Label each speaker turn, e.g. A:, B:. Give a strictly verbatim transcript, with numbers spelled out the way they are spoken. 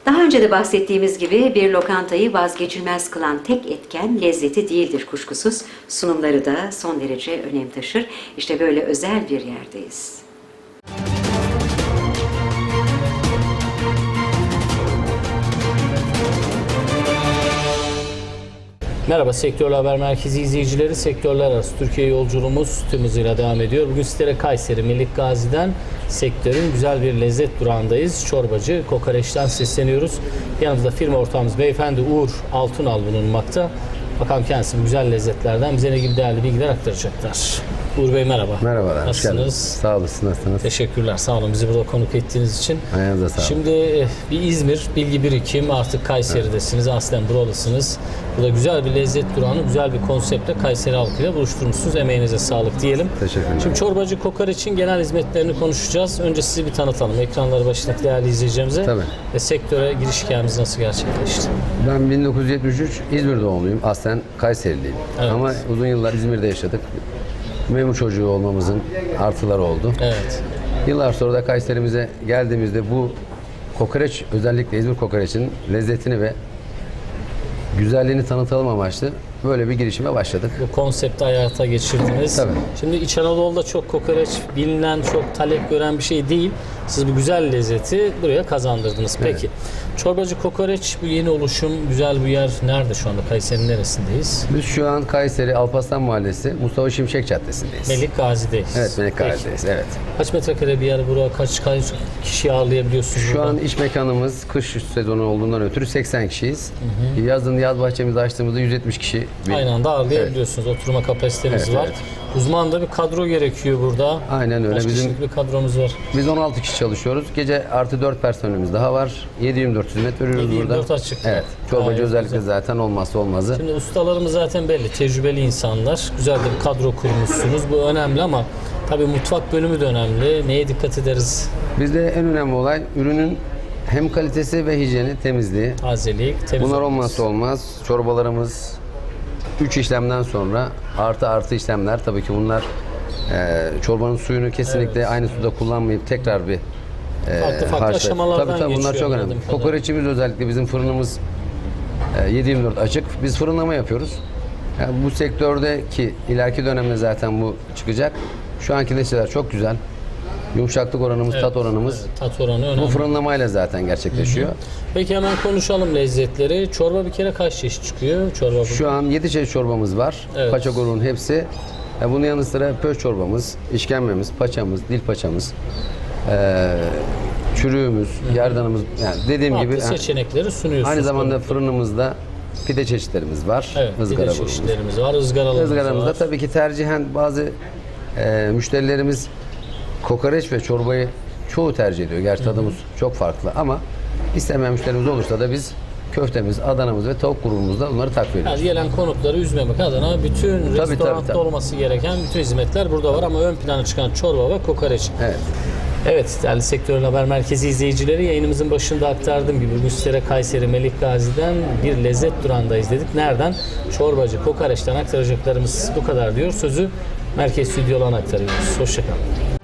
A: Daha önce de bahsettiğimiz gibi bir lokantayı vazgeçilmez kılan tek etken lezzeti değildir kuşkusuz. Sunumları da son derece önem taşır. İşte böyle özel bir yerdeyiz.
B: Merhaba Sektörler Haber Merkezi izleyicileri. Sektörler arası Türkiye yolculuğumuz tüm hızıyla devam ediyor. Bugün sizlere Kayseri Melik Gazi'den sektörün güzel bir lezzet durağındayız. Çorbacı Kokoreç'ten sesleniyoruz. Yanımızda firma ortağımız beyefendi Uğur Altunal bulunmakta. Bakalım kendisi bu güzel lezzetlerden bize ne gibi değerli bilgiler aktaracaklar. Uğur Bey merhaba.
C: Merhabalar.
B: Nasılsınız?
C: Sağ olasın. Nasılsınız?
B: Teşekkürler. Sağ olun bizi burada konuk ettiğiniz için.
C: Ayağınıza sağlık.
B: Şimdi bir İzmir, bilgi birikim, artık Kayseri'desiniz, evet. Aslen buralısınız. Burada güzel bir lezzet durağını, güzel bir konseptle Kayseri halkıyla buluşturmuşsunuz. Emeğinize sağlık diyelim.
C: Teşekkürler.
B: Şimdi çorbacı Kokoreç'in genel hizmetlerini konuşacağız. Önce sizi bir tanıtalım. Ekranları başındaki değerli izleyicilerimize.
C: Tabii. Ve
B: sektöre giriş hikayemiz nasıl gerçekleşti?
C: Ben bin dokuz yüz yetmiş üç İzmir doğumluyum. Aslen Kayseriliyim.
B: Evet.
C: Ama uzun yıllar İzmir'de yaşadık. Memur çocuğu olmamızın artıları oldu.
B: Evet.
C: Yıllar sonra da Kayserimize geldiğimizde bu kokoreç, özellikle İzmir kokoreçinin lezzetini ve güzelliğini tanıtalım amaçlı böyle bir girişime başladık.
B: Bu konsepti hayata geçirdiniz.
C: Tabii.
B: Şimdi İç Anadolu'da çok kokoreç bilinen, çok talep gören bir şey değil. Siz bu güzel lezzeti buraya kazandırdınız. Peki. Evet. Çorbacı Kokoreç bu yeni oluşum, güzel bir yer. Nerede şu anda? Kayseri'nin neresindeyiz?
C: Biz şu an Kayseri Alparslan Mahallesi Mustafa Şimşek Caddesi'ndeyiz.
B: Melik Gazi'deyiz.
C: Evet, Melik Gazi'deyiz. Evet.
B: Kaç metrekare bir yer buraya? Kaç, kaç kişi ağırlayabiliyorsunuz
C: Şu
B: burada?
C: an iş mekanımız kış sezonu olduğundan ötürü seksen kişiyiz. Hı hı. Yazın yaz bahçemizi açtığımızda yüz yetmiş kişi. Bir...
B: Aynı anda ağırlayabiliyorsunuz. Evet. Oturma kapasitemiz evet, var. Evet. Uzman da bir kadro gerekiyor burada.
C: Aynen öyle.
B: Kaç
C: Bizim
B: kişilik bir kadromuz var?
C: Biz on altı kişi çalışıyoruz. Gece artı dört personelimiz daha var. yedi yirmi dört hizmet veriyoruz burada.
B: yedi yirmi dört açık.
C: Evet. Çorbacı
B: Gayet
C: özellikle
B: güzel.
C: Zaten olmazsa olmazı.
B: Şimdi ustalarımız zaten belli. Tecrübeli insanlar. Güzel de bir kadro kurmuşsunuz. Bu önemli ama tabii mutfak bölümü de önemli. Neye dikkat ederiz?
C: Bizde en önemli olay ürünün hem kalitesi ve hijyeni, temizliği.
B: Tazelik, temiz
C: Bunlar
B: olması.
C: olmazsa olmaz. Çorbalarımız üç işlemden sonra artı artı işlemler. Tabii ki bunlar e, çorbanın suyunu kesinlikle evet. aynı suda kullanmayıp tekrar bir e,
B: farklı farklı
C: harçla.
B: aşamalardan
C: tabii, tabii, bunlar çok önemli. Kokoreçimiz özellikle bizim fırınımız e, yedi yirmi dört açık. Biz fırınlama yapıyoruz. Yani bu sektördeki ileriki dönemde zaten bu çıkacak. Şu anki lezzetler çok güzel. Yumuşaklık oranımız,
B: evet,
C: tat oranımız
B: evet, tat oranı önemli.
C: Bu fırınlamayla zaten gerçekleşiyor. Hı hı.
B: Peki hemen konuşalım lezzetleri. Çorba bir kere kaç çeşit çıkıyor? Çorba
C: Şu burada. An yedi çeşit çorbamız var. Evet. Paça grubunun hepsi. Bunun yanı sıra pöş çorbamız, işkembemiz, paçamız, dil paçamız, ee, çürüğümüz, hı hı. gerdanımız. Yani dediğim
B: farklı
C: gibi
B: seçenekleri sunuyorsunuz.
C: Aynı zamanda tabii. fırınımızda pide çeşitlerimiz var.
B: Evet,
C: ızgara
B: pide
C: grubumuz.
B: çeşitlerimiz var, ızgaralarımız
C: Izgaramızda
B: var.
C: tabii ki tercihen bazı e, müşterilerimiz kokoreç ve çorbayı çoğu tercih ediyor. Gerçi tadımız çok farklı ama istemeyen müşterimiz olursa da biz köftemiz, Adana'mız ve tavuk grubumuzda bunları takviye ediyoruz.
B: Yani gelen konukları üzmemek adına bütün tabii, restoranda tabii, tabii. olması gereken bütün hizmetler burada var ama ön plana çıkan çorba ve kokoreç.
C: Evet.
B: Evet, değerli Sektörler Haber Merkezi izleyicileri, yayınımızın başında aktardığım gibi bugün sizlere Kayseri Melik Gazi'den bir lezzet durağındayız dedik. Nereden? Çorbacı Kokoreç'ten aktaracaklarımız bu kadar diyor. Sözü merkez stüdyolarına aktarıyoruz. Hoşçakalın.